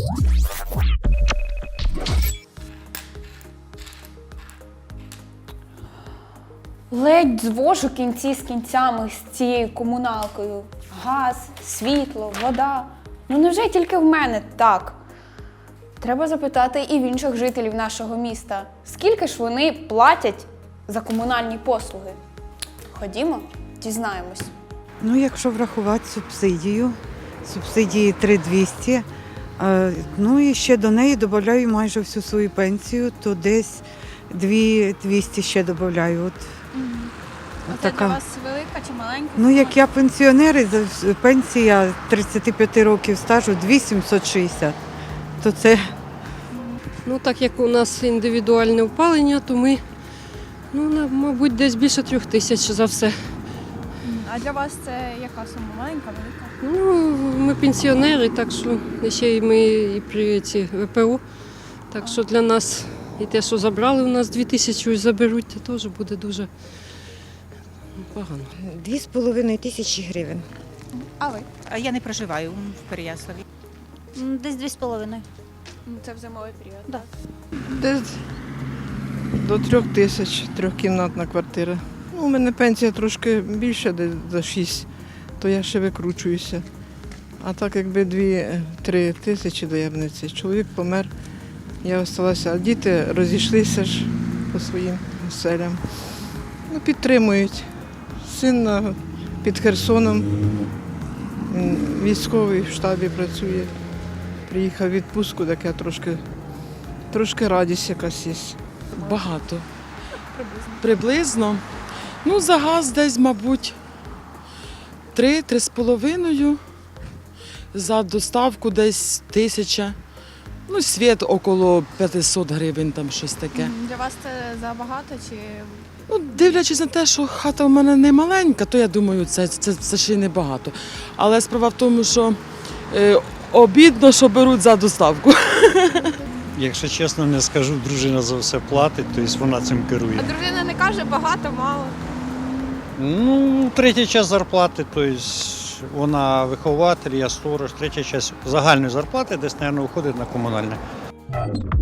Ледь звожу кінці з кінцями з цією комуналкою. Газ, світло, вода. Ну невже тільки в мене так? Треба запитати і в інших жителів нашого міста, скільки ж вони платять за комунальні послуги. Ходімо, дізнаємось. Ну, якщо врахувати субсидії 3200, ну і ще до неї додаю майже всю свою пенсію, то десь 2200 ще додаю. Це для вас велика чи маленька? Ну, як я пенсіонер, і пенсія 35 років стажу 2760, то це... Ну, так як у нас індивідуальне опалення, то ми, мабуть, десь більше 3000 за все. А для вас це яка сума? Маленька, велика? Ну, ми пенсіонери, так що ще й ми і при ці ВПО. Так що для нас і те, що забрали у нас 2000 і заберуть, це теж буде дуже погано. 2500 гривень. А ви? Я не проживаю в Переяславі. Десь 2,5. Це в зимовий період. Да. Десь до 3000, трьохкімнатна квартира. Ну, у мене пенсія трошки більша, десь за 6, то я ще викручуюся. А так якби 2-3 тисячі доємниці. Чоловік помер, я залишилася, а діти розійшлися ж по своїм оселям. Ну, підтримують. Син під Херсоном, він військовий в штабі працює. Приїхав в відпустку, так я трошки радість якась є. Багато. Приблизно. Ну, за газ десь, мабуть, 3-3,5. За доставку десь 1000. Ну, світ около 500 гривень, там щось таке. Для вас це забагато чи Ну, дивлячись на те, що хата в мене не маленька, то я думаю, це ще й небагато. Але справа в тому, що обідно, що беруть за доставку. Якщо чесно, не скажу, дружина за все платить, тобто вона цим керує. А дружина не каже багато, мало? Ну, третя частина зарплати, тобто вона вихователь, я сторож, третя частина загальної зарплати десь, мабуть, виходить на комунальне.